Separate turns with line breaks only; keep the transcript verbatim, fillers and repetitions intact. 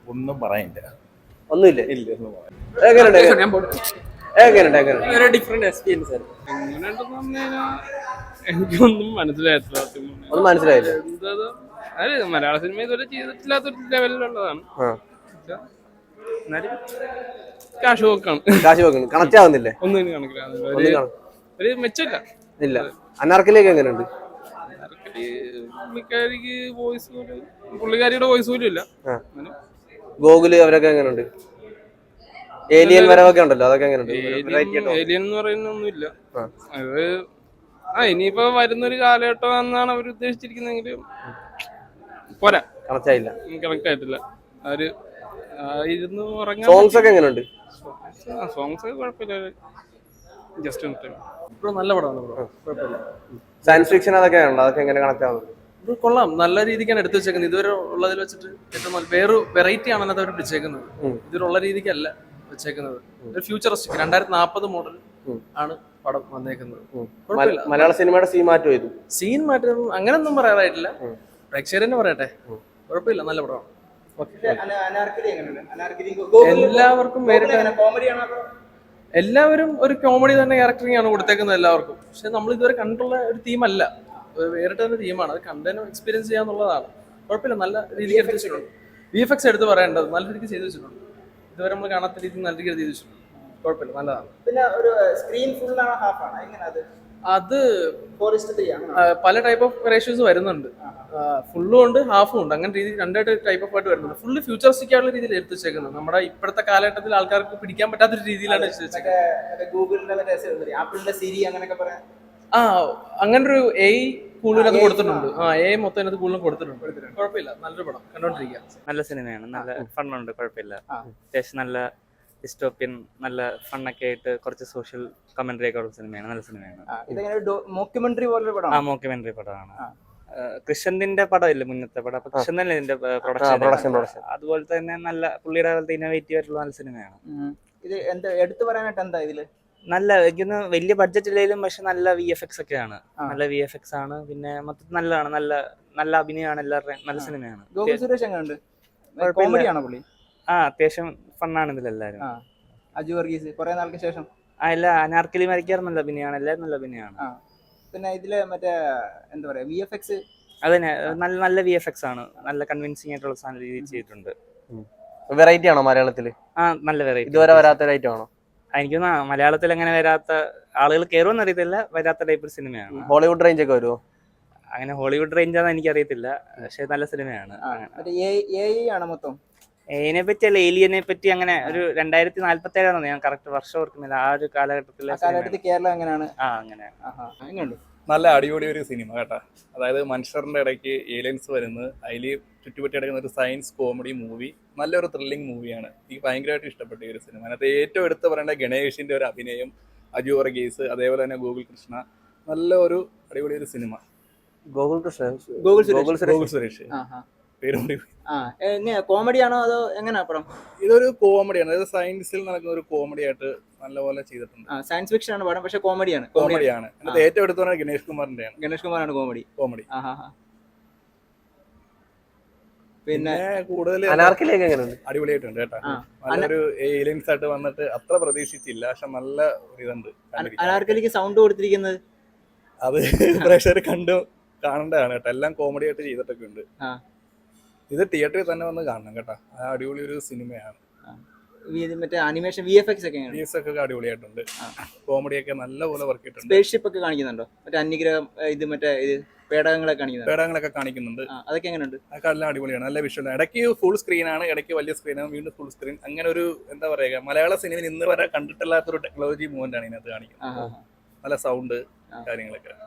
ഒന്നും പറയില്ല.
ഒന്നുമില്ല.
ഇല്ല, ഒന്നും പറയാൻ.
എങ്ങനെയുണ്ട് എങ്ങനെയുണ്ട് എങ്ങനെ
ഡിഫറെന്റ് എക്സ്പീരിയൻസ് ആയിരുന്നു. എങ്ങനെയുണ്ടെന്ന് പറഞ്ഞു കഴിഞ്ഞാൽ എനിക്കൊന്നും മനസ്സിലായിട്ടില്ല.
ഒന്നും മനസ്സിലായില്ല.
എന്താ അതായത് മലയാള സിനിമ ഇതുവരെ ചെയ്തിട്ടില്ലാത്തൊരു ലെവലിലുള്ളതാണ്. എന്നാലും കാശ് പോക്കാണ്.
കാശ് വെക്കണം കണക്ട് ആവുന്നില്ലേ?
ഒന്നും ഇനി കണക്കിലാകുന്നില്ല. ഒരു മെച്ചമില്ല.
ഇല്ല. അനാർക്കലിയൊക്കെ എങ്ങനെയുണ്ട്?
പുള്ളിക്കാരിക്ക് വോയിസ് പോലും പുള്ളിക്കാരിയുടെ വോയിസ് പോലും ഇല്ല.
ഗോകുല് അവരൊക്കെ എങ്ങനെയുണ്ട്? ഏലിയൻ വരവൊക്കെ ഉണ്ടല്ലോ, അതൊക്കെ എങ്ങനെയുണ്ട്?
ഏലിയൻ എന്ന് പറയുന്ന ഒന്നുമില്ല. അത് ആ ഇനിയിപ്പോ വരുന്നൊരു കാലഘട്ടം എന്നാണ് അവർ ഉദ്ദേശിച്ചിരിക്കുന്നെങ്കിലും പോരാ,
കണക്ട് ആയില്ല.
കണക്ട് ആയിട്ടില്ല. അവര് ഇരുന്ന് ഉറങ്ങാൻ.
സോങ്സ് ഒക്കെ എങ്ങനെയുണ്ട്?
സോങ്സ് ഒക്കെ കുഴപ്പമില്ല. ജസ്റ്റ് നല്ല പടമാണ് ബ്രോ, കുഴപ്പമില്ല.
സയൻസ് ഫിക്ഷൻ അതൊക്കെ ഉണ്ടോ? അതൊക്കെ എങ്ങനെ കണക്ട് ആവുന്നത്?
ഇത് കൊള്ളാം, നല്ല രീതിക്കാണ് എടുത്തു വെച്ചേക്കുന്നത്. ഇതുവരെ ഉള്ളതിൽ വെച്ചിട്ട് ഏറ്റവും നല്ല വേറെ വെറൈറ്റി ആണ് അതിനകത്ത് അവർ പിടിച്ചേക്കുന്നത്. ഇതുവരെയുള്ള രീതിക്കല്ല വെച്ചേക്കുന്നത്. ഒരു ഫ്യൂച്ചറിസ്റ്റിക് രണ്ടായിരത്തി നാൽപ്പത് മോഡൽ ആണ് പടം വന്നേക്കുന്നത്.
മലയാള സിനിമയുടെ സീൻ മാറ്റം ചെയ്തു.
സീൻ മാറ്റം അങ്ങനെയൊന്നും പറയാറായിട്ടില്ല. പ്രേക്ഷകർ തന്നെ പറയട്ടെ, കുഴപ്പമില്ല, നല്ല പടമാണ്. എല്ലാവർക്കും എല്ലാവരും ഒരു കോമഡി തന്നെ ക്യാരക്ടറിംഗ് ആണ് കൊടുത്തേക്കുന്നത് എല്ലാവർക്കും. പക്ഷെ നമ്മൾ ഇതുവരെ കണ്ടുള്ള ഒരു തീമല്ല, വേറിട്ട് തന്നെ തീമാണ്. അത് കണ്ടതിനും എക്സ്പീരിയൻസ് ചെയ്യാന്നുള്ളതാണ്. കുഴപ്പമില്ല, നല്ല രീതിക്ക് എടുത്ത് വെച്ചിട്ടുണ്ട്. വി എഫ് എക്സ് എടുത്ത് പറയേണ്ടത് നല്ല രീതിക്ക് ചെയ്തു വെച്ചിട്ടുണ്ട്. ഇതുവരെ നമ്മൾ കാണാത്ത രീതിയിൽ നല്ല രീതിക്ക് ചെയ്തു വെച്ചിട്ടുണ്ട്. കുഴപ്പമില്ല, നല്ലതാണ്.
പിന്നെ ഒരു സ്ക്രീൻ ഫുൾ ആണ് ഹാഫ് ആണ് എങ്ങനെ? അത്
അത്
ഫോറസ്റ്റ്
പല ടൈപ്പ് ഓഫ് റേഷ്യോസ് വരുന്നുണ്ട്. ഫുള്ളും ഉണ്ട്, ഹാഫും ഉണ്ട്. അങ്ങനെ രീതി രണ്ടായിട്ട് ടൈപ്പ് ഓഫ് ആയിട്ട് വരുന്നുണ്ട്. ഫുള്ള് ഫ്യൂച്ചറിസ്റ്റിക് ആയിട്ടുള്ള രീതിയിൽ എടുത്ത് വെച്ചേക്കുന്നത്. നമ്മുടെ ഇപ്പോഴത്തെ കാലഘട്ടത്തിൽ ആൾക്കാർക്ക് പിടിക്കാൻ പറ്റാത്തൊരു രീതിയിലാണ് വെച്ചേക്കുന്നത്.
ഗൂഗിളിന്റെ ആപ്പിളിന്റെ സിരി അങ്ങനെയൊക്കെ പറയാം.
ആ അങ്ങനൊരു എ കൂടുതലത് കൊടുത്തിട്ടുണ്ട്. ആ എ മൊത്തം അതിനകത്ത് കൂടുതലും കൊടുത്തിട്ടുണ്ട്. കുഴപ്പമില്ല, നല്ലൊരു പടം കണ്ടോണ്ടിരിക്കുക.
നല്ല സിനിമയാണ്, നല്ല ഫണ്ണുണ്ട്, കുഴപ്പമില്ല. അത്യാവശ്യം നല്ല ഡിസ്റ്റോപ്യൻ, നല്ല ഫണ്ണൊക്കെ ആയിട്ട് കുറച്ച് സോഷ്യൽ കമന്ററി ഒക്കെ ഉള്ള സിനിമയാണ്. നല്ല സിനിമയാണ്.
മോക്യുമെന്ററി പോലെ
ആ മോക്യുമെന്ററി പടമാണ്. കൃഷ്ണന്റെ പടം ഇല്ല മുന്നത്തെ പടം, അപ്പൊ കൃഷ്ണൻ തന്നെ ഇതിന്റെ പ്രൊഡക്ഷൻ. അതുപോലെ തന്നെ നല്ല പുള്ളിയുടെ പോലത്തെ ഇന്നോവേറ്റീവ് ആയിട്ടുള്ള നല്ല സിനിമയാണ്.
ഇത് എന്താ എടുത്തു പറയാനായിട്ട് എന്താ ഇതില്?
നല്ല എനിക്കൊന്ന് വലിയ ബഡ്ജറ്റ് ഇല്ലെങ്കിലും പക്ഷെ നല്ല വി എഫ് എക്സ് ഒക്കെയാണ്. നല്ല വി എഫ് എക്സ് ആണ്. പിന്നെ മൊത്തത്തിൽ നല്ലതാണ്, നല്ല നല്ല അഭിനയമാണ്, എല്ലാവരുടെയും നല്ല സിനിമയാണ്.
ഗോകുൽ സുരേഷ് എങ്ങനെയുണ്ട്? കോമഡിയാണോ പുള്ളി?
ആ അത്യാവശ്യം ഫണ്ണാണ് ഇതിലെല്ലാരും.
അജു വർഗീസ് കുറെ നാൾക്ക് ശേഷം.
ആ എല്ലാ അനാർക്കലി മരിക്കാറ് നല്ല അഭിനയമാണ്, എല്ലാവരും നല്ല അഭിനയമാണ്.
പിന്നെ ഇതില് മറ്റേ എന്താ പറയാ വി എഫ് എക്സ്
അതന്നെ നല്ല നല്ല വി എഫ് എക്സ് ആണ്. നല്ല കൺവിൻസിംഗ് ആയിട്ടുള്ള സാധനം രീതിയിൽ ചെയ്തിട്ടുണ്ട്.
വെറൈറ്റി ആണോ മലയാളത്തില്?
ആ നല്ല വെറൈറ്റി.
ഇതുവരെ വരാത്ത ഐറ്റം ആണോ?
എനിക്കൊന്ന് മലയാളത്തിൽ അങ്ങനെ വരാത്ത ആളുകൾ കയറുമെന്ന് അറിയത്തില്ല, വരാത്ത ടൈപ്പ് സിനിമയാണ്.
ഹോളിവുഡ് റേഞ്ച് ഒക്കെ വരുമോ?
അങ്ങനെ ഹോളിവുഡ് റേഞ്ചാന്ന് എനിക്കറിയത്തില്ല, പക്ഷെ നല്ല സിനിമയാണ്.
മൊത്തം
ഇതിനെ പറ്റി അല്ല, ഏലിയനെ പറ്റി അങ്ങനെ ഒരു രണ്ടായിരത്തി നാല്പത്തി ഏഴാണ് ഞാൻ കറക്റ്റ് വർഷം ഓർക്കുന്നില്ല. ആ ഒരു കാലഘട്ടത്തിലെ
കേരളം എങ്ങനെയാണ്?
ആ അങ്ങനെ
എങ്ങനെയുണ്ട്?
നല്ല അടിപൊളി ഒരു സിനിമ കേട്ടാ. അതായത് മനുഷ്യരുടെ ഇടയ്ക്ക് ഏലിയൻസ് വരുന്നത്, അതിൽ ചുറ്റുപറ്റി കിടക്കുന്ന ഒരു സയൻസ് കോമഡി മൂവി, നല്ലൊരു ത്രില്ലിംഗ് മൂവിയാണ്. എനിക്ക് ഭയങ്കരമായിട്ട് ഇഷ്ടപ്പെട്ട ഈ ഒരു സിനിമ. അതിനകത്ത് ഏറ്റവും എടുത്ത് പറയേണ്ട ഗണേഷിന്റെ ഒരു അഭിനയം, അജു വർഗീസ്, അതേപോലെ തന്നെ ഗോകുൽ കൃഷ്ണ, നല്ല ഒരു അടിപൊളി ഒരു സിനിമ.
ഗോകുൽ കൃഷ്ണ,
ഗോകുൽ സുരേഷ് പേരുണ്ട്.
കോമഡിയാണോ അതോ എങ്ങനെയാ പടം?
ഇതൊരു കോമഡിയാണ്, അതായത് സയൻസിൽ നടക്കുന്ന ഒരു കോമഡി ആയിട്ട് നല്ലപോലെ ചെയ്തിട്ടുണ്ട്.
സയൻസ് ഫിക്ഷൻ ആണ് പടം, പക്ഷെ കോമഡിയാണ്.
കോമഡിയാണ്. അതിനകത്ത് ഏറ്റവും എടുത്തു പറഞ്ഞാൽ ഗണേഷ് കുമാറിന്റെയാണ്.
ഗണേഷ് കുമാറാണ് കോമഡി.
കോമഡി
പിന്നെ
കൂടുതൽ അടിപൊളിയായിട്ടുണ്ട് കേട്ടോ. നല്ലൊരു ഏലിയൻസ് ആയിട്ട് വന്നിട്ട് അത്ര പ്രതീക്ഷിച്ചില്ല, പക്ഷെ നല്ല ഇതുണ്ട്.
അനാർക്കലിക്ക് സൗണ്ട് കൊടുത്തിരിക്കുന്നത്
അത് പ്രേക്ഷകർ കണ്ടു കാണേണ്ടതാണ് കേട്ടോ. എല്ലാം കോമഡി ആയിട്ട് ചെയ്തിട്ടൊക്കെ ഉണ്ട്. ഇത് തിയേറ്ററിൽ തന്നെ വന്ന് കാണണം കേട്ടോ. അടിപൊളി ഒരു സിനിമയാണ്.
മറ്റേ അനിമേഷൻ വി എഫ് എക്സ് ഒക്കെ
വി എഫ് എക്സ് ഒക്കെ അടിപൊളിയായിട്ടുണ്ട്. കോമഡി ഒക്കെ നല്ലപോലെ വർക്ക് ചെയ്തിട്ടുണ്ട്.
സ്പേസ്ഷിപ്പ് ഒക്കെ കാണിക്കുന്നുണ്ടോ? മറ്റേ അന്യഗ്രഹം ഇത് മറ്റേ ഇത് പേടകങ്ങളൊക്കെ കാണിക്കുന്നുണ്ട്.
പേടകങ്ങളൊക്കെ കാണിക്കുന്നുണ്ട്.
അതൊക്കെ എങ്ങനെയുണ്ട്?
അതൊക്കെ എല്ലാം അടിപൊളിയാണ്, നല്ല വിഷ്വൽ. ഇടയ്ക്ക് ഫുൾ സ്ക്രീൻ ആണ്, ഇടയ്ക്ക് വലിയ സ്ക്രീനാണ്, വീണ്ടും ഫുൾ സ്ക്രീൻ. അങ്ങനെ ഒരു എന്താ പറയുക, മലയാള സിനിമയിൽ ഇന്ന് വരെ കണ്ടിട്ടില്ലാത്തൊരു ടെക്നോളജി മൂവ്മെന്റ് ആണ് ഇതിനകത്ത് കാണിക്കുന്നത്. നല്ല സൗണ്ട് കാര്യങ്ങളൊക്കെ.